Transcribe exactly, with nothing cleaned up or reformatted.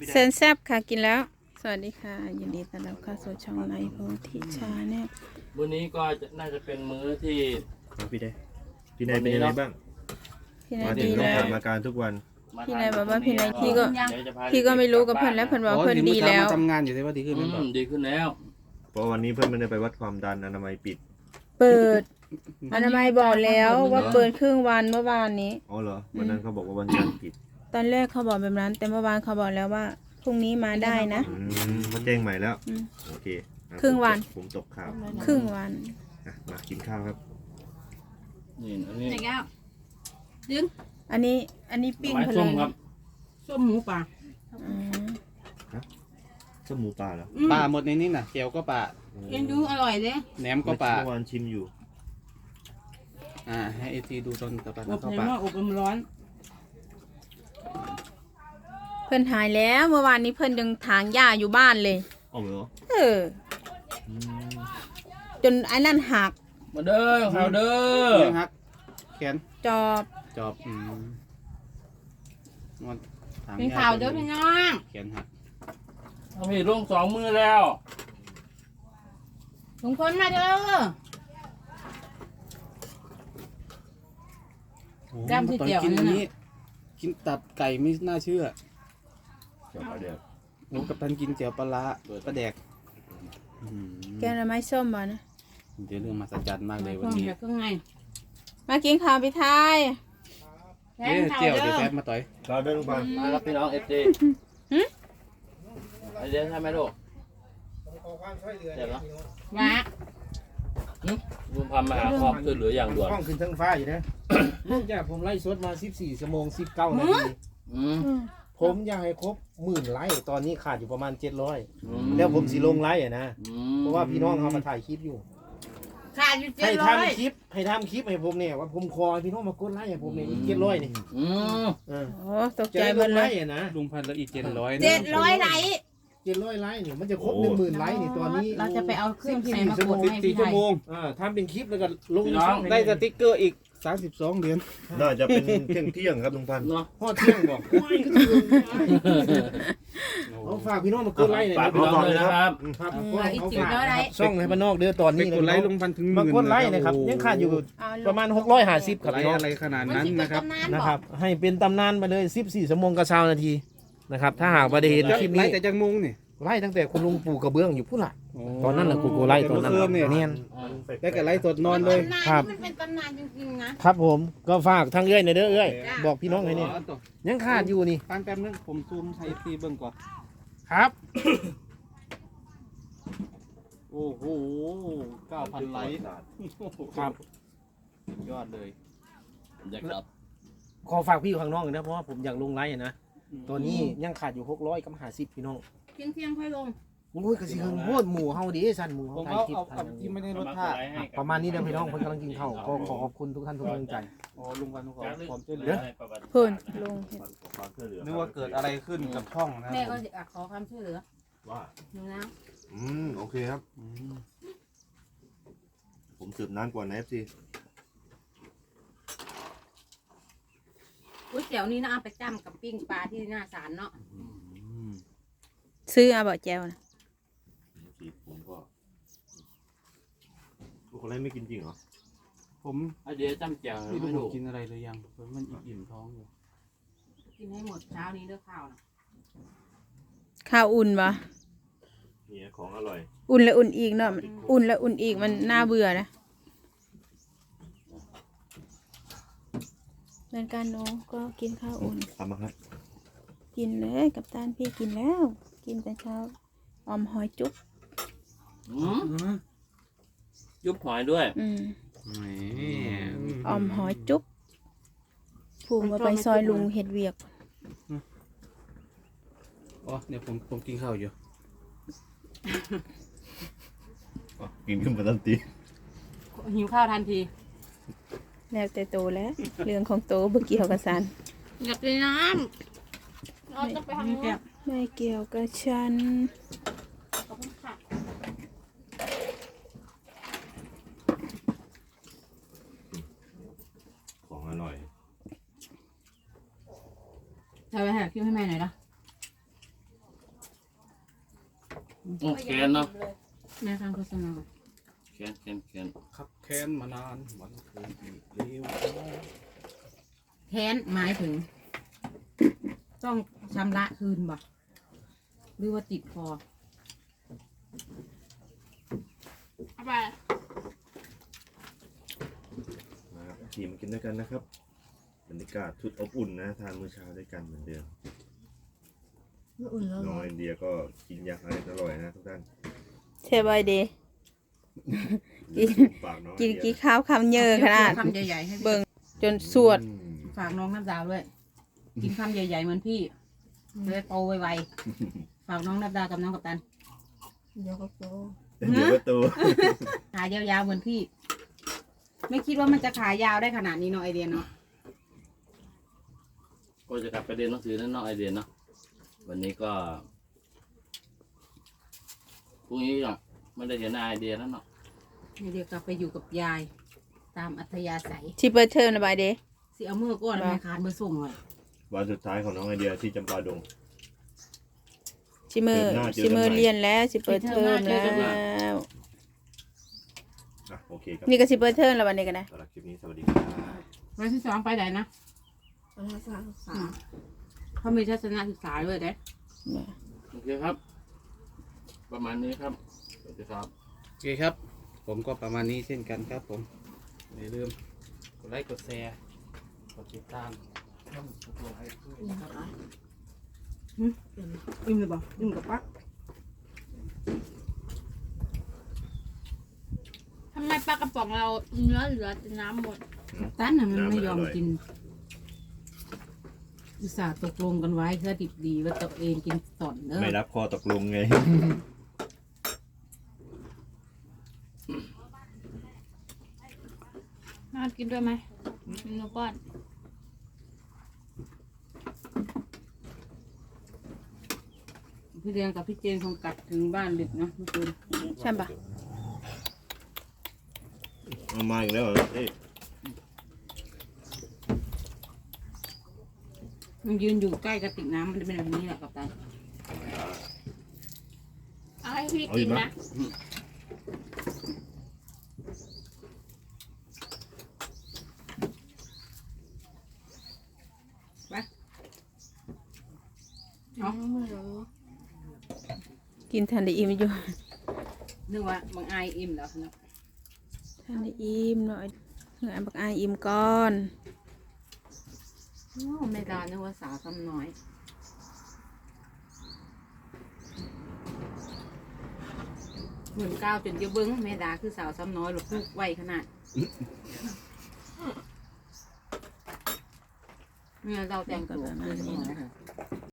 เซนแซบค่ะกินแล้วสวัสดีค่ะยินดีต้อนรับเข้าสู่ช่องในโพธิชาแนลวันนี้ก็น่าจะเป็นมื้อที่พี่ได้พี่นายเป็นยังไงบ้างพี่นายมาถึดีงต้องแล้วถามอาการทุกวันพี่นายบอกว่าพี่นายพี่ก็พี่ก็ไม่รู้กับเพื่อนแล้วเพื่อนว่าเพื่อนดีแล้วทำงานอยู่ที่ว่าดีขึ้นไหมอืมดีขึ้นแล้วเพราะวันนี้เพื่อนไม่ได้ไปวัดความดันอนามัยปิดเปิดอนามัยบอกแล้วว่าเปิดครึ่งวันเมื่อวานนี้อ๋อเหรอวันนั้นเขาบอกว่าวันจันทร์ปิดตอนแรกเขาบอกแบบนั้นแต่เมื่อวานเขาบอกแล้วว่าพรุ่งนี้มาได้นะอืมเขาแจ้งใหม่แล้วอืมโอเคอ่ะครึ่งวันผมตกข่าวครึ่งวันอ่ะมากินข้าวครับนี่อันนี้ไหนแก้วดึงอันนี้อันนี้ปิ้งไม้เพส้ลิมนครับส้มหมูป่าอืมส้มหมูป่าเหรอปลาหมดในนี้น่ะเกี๊ยวก็ปลาเอ็นดูอร่อยเด้แหนมก็ปลาเมื่อวานชิมอยู่อ่าให้เอทีดูตอนต่อไปอบเข้าเห็นปลาว่าอบมันร้อนเพื่อนหายแล้วเมื่อวานนี้เพื่อนยังถางหญ้าอยู่บ้านเลยอ๋อเหรอเอออืมจนไอ้นั่นหักมาเด้อข้าวเด้อเลี้ยงฮักแขนจอบจอบอืมงอนถมเป็นข่าวเด้อพี่น้องแขนหักทำผิดลงสองมือแล้วลุงพลมาเด้อโอ้จำที่ตอนเจียวกินนั่อันนน่ะนี้ กินตับไก่ไม่น่าเชื่อเดี๋ยวเอาเดี๋ยวโอ้กับทันกินเจียวปลาร้าปลาแดกอืมแกงหน่อไม้ส้มบ่นะเดี๋ยวเรื่องมหัศจรรย์มากเลยเควันรื่องนี้แบบเครื่องในมากินข้าวพี่ทายแทเอ๊ะนข่าวเจียวเด้เดี๋ยวอแฟบมาต่อยเราเดินไปมารับพี่น้องเอฟซีไอเดียใช่ไหมลูกเดี๋ยวนะมาลุงพันมาหาความช่วยเหลืออย่างด่วนห้องขึ้นทั้งฟ้าอยู่นะ เนื่องจากผมไล่สดมา สิบสี่ ชั่วโมง สิบเก้า นาทีอืมผมอยากให้ครบหมื่นไลค์ตอนนี้ขาดอยู่ประมาณ เจ็ดร้อยอืมแล้วผมสิลงไลค์อ่ะนะอืมเพราะว่าพี่น้องเขามาถ่ายคลิปอยู่ขาดอยู่เจ็ให้ดร้อยทำคลิป ให้ทำคลิปให้ผมเนี่ยว่าผมคอให้พี่น้องมากดไลค์ให้ผมเนี่ยอีกเจ็ดร้อยนี่อืมเออโอ้ตกจะใจได้หมลดงเลไลยค์อ่ะนะลุงพันแล้วอีกเจ็ดร้อยเจ็ดร้อยไหลเจ็ดร้อยไลค์เนี่ยมันจะครบหนึ่งหมื่นไลค์นี่ตอนนี้เราจะไปเอาเครื่องใส่มากดสิบให้สี่พี่ไทชั่วย โมงอ่าทำเป็นคลิปแล้วก็ลงในช่องให้ได้สติ๊กเกอร์อีกสามสิบสองเหรียญน่าจะเป็นเที่ยงเที่ยงๆครับลุงพันธุ์เนาะพ่อเที่ยงบอกโอ้ยก็คือเอาฝากพี่น้องมากดไลค์หน่อยฝากนะพี่น้องเลยนะครับครับมาอีกจิ๋วเท่าไรช่องให้บ้านนอกเด้อตอนไปนี้กดไลค์ลุงพันถึงหมามื่นกดไลค์นะครับยังขาดอยู่ประมาณหกร้อยห้าสิบครับไลพี่ค์น้องอะไรขนาดนั้นนะครับนะครับให้เป็นตำนานมาเลยสิบสี่ชั่วโมงกับชาวนาทีนะครับถ้าหากว่าได้เห็นคลิปไลนี้ค์แต่จังมุงนี่ไล่ตั้งแต่คุณลุงปู่กระเบื้องอยู่ผู้หลักตอนนั้นแหละกูกูไล่ตอนนั้นเมื่อคืนเนี่ยเนียนได้กับไลค์สดนอนเลยครับมันเป็นตำนานจริงๆนะครับผมก็ฝากทางเอ้อยในอยเด้อเอ้อยจ้ะบอกพี่น้องให้เนี่ยยังขาดอยู่นี่ฟังแป๊บนึงผมซูมไทยซีเบิ่งก่อนครับโอ้โหเก้าพันไลค์ครับยอดเลยอยากรับขอฝากพี่อยู่ข้างนอกเลยนะเพราะว่าผมอยากลงไลค์อะนะตอนนี้ยังขาดอยู่หกร้อยกับห้าสิบพี่น้องเที่ยงเที่ยงๆค่อยลงโอ้ยกระสิเฮงโคตรหมู่เฮาดิสั่นหมู่ผเฮาม ถ่ายเอาคลิปเอาถ่าเอายอย่างที่นี้ไม่ได้รสชาติประมาณนี้เด้อพี่น้องคนกำลังกินข้าวก็ขอขอบคุณทุกท่านทุกกำลังใจอ๋อลุงพันธุ์ขอความช่วยเหลืเดี๋อยวเพิ่นลงเห็ดความช่วยเหลือนึกว่าเกิดอะไรขึ้นกับช่องนะแม่ก็อยากขอความช่วยเหลือว่าหนูนะอืมโอเคครับอืมผมสืบน้ำก่อนนะเอฟซีก๋วยเตี๋ยวนี้นะเอาไปจ้ำกับปิ้งปลาที่หน้าศาลเนาะซื้อเอาบ่แจวนะสีผมก็ทุกคนไล่ไม่กินจริงเหรอผมไอเดียจำแจ่วไม่ไม่รู้ถูกกินอะไรเลยยังเพราะมันอิ่มท้องอยู่กินให้หมดเช้านี้เด้อข้าวนะข้าวอุ่นบ่นี่ของอร่อยอุ่นแล้วอุ่นอีกเนาะมันอุ่นแล้วอุ่นอีกมันน่าเบื่อนะเหมือนกันเนาะก็กินข้าวอุ่นทำมาครับกินเลยกับตานพี่กินแล้ว กินแต่เช้าออมหอยจุ๊บอืมยุบหอยด้วยอืมแหมออมหอยจุ๊บผูมาไปซอยลุงเห็ดเวียกอ๋อเดี๋ยวผมผมกินข้าวอยู่อ๋อกินขึ้นมาทันทีหิวข้าวทันทีแล้วแต่โตแล้ว เรื่องของโตบ่เกี่ยวกับสันอยากกินน้ำเราจะไปทำนู้นไม่เกี่ยวกับฉันขอบคุณค่ะของอร่อยจะไปหาคิวให้แม่หน่อยนะโอ้แคนเนาะแม่ฟังโฆษณาแคนแคนแคนขับแค้นมานานวันคืนที่เร็วแค้นหมายถึง ต้องชำระคืนบ่หรือว่าติดคอเอาไปนะครับทีมมากินด้วยกันนะครับบรรยากาศชุดอบอุ่นนะทานมื้อเช้าด้วยกันเหมือนเดิมอุ่นแล้วน้องไอเดียก็กินอย่างอร่อยนะทุกท่านเชฟบอยเดย์ กินฝากน้องกินไอเดีกี่ยข้าวคำเยอะขนาดคำใหญ่ๆให้เบิ่งจนสวดอืมฝากน้องน้ำดาวด้วย กินคำใหญ่ๆเหมือนพี่เลยโตไวๆฝากน้องน้ำดาวกับน้องกัปตันเดี๋ยวประตูขายาวๆเหมือนพี่ ไม่คิดว่ามันจะขายาวได้ขนาดนี้เนาะไอเดียเนาะก็จะกลับไปเรียนหนังสือนั่นเนาะไอเดียเนาะวันนี้ก็พรุ่งนี้ก็ไม่ได้เห็นหน้าไอเดียแล้วเนาะไอเดียกลับไปอยู่กับยาย ตามอัธยาศัยชิเปิดเทอมนะบายเดย์สิเอามือก้อนแล้วไม่ขาดมือส่งเลยวันสุดท้ายของน้องไอเดียที่จำปาดงชิเมอร์เทอมหน้าเจอกันชิเมอร์ใหม่เรียนแล้วชิเปิดเทอมแล้วอ่ะโอเคครับนี่ก็ชิเปิดเทอมแล้ววันนี้กันนะสำหรับคลิปนี้สวัสดีครับวันที่สองไปไหนนะเขามีทัศนศึกษาด้วยเด้โอเคครับ ประมาณนี้ครับสวัสดีครับโอเคครับ ผมก็ประมาณนี้เช่นกันครับผมอย่าลืมกดไลค์กดแชร์กดติดตามอิ่มเลยบ่อิ่มกับปักทำไมปลากระป๋องเราเนื้อเหลือแต่น้ำหมดตั้นน่ะมันไม่ยอมกินอุตส่าห์ตกลงกันไว้เพื่อดิบดีว่าตัวเองกินต่อนเนอะไม่รับข้อตกลงไงน่ากินด้วยไหมกินหนูก้อนพี่เรียงกับพี่เจนคงกลับถึงบ้านดึกเนาะเมื่อคืนใช่ปะเอามาอีกแล้วเหรอเอ้ยมันยืนอยู่ใกล้กระติกน้ำมันจะเป็นแบบนี้แหละกับตาเอาให้พี่กินนะเนาะกินทันได้อิ่มอยู่นึกว่าบางอายอิ่มแล้วเนาะทันได้อิ่มหน่อยเพื่อบักอายอิ่มก่อนโอ้ไม่ดานึกว่าสาวซ้ำน้อยเหมือนก้าวจนจะเบิ้งแม่ดาคือสาวซ้ำน้อยหรือพูกไวขนาดเนี่ยเราแต่งตัวเป็นสมอย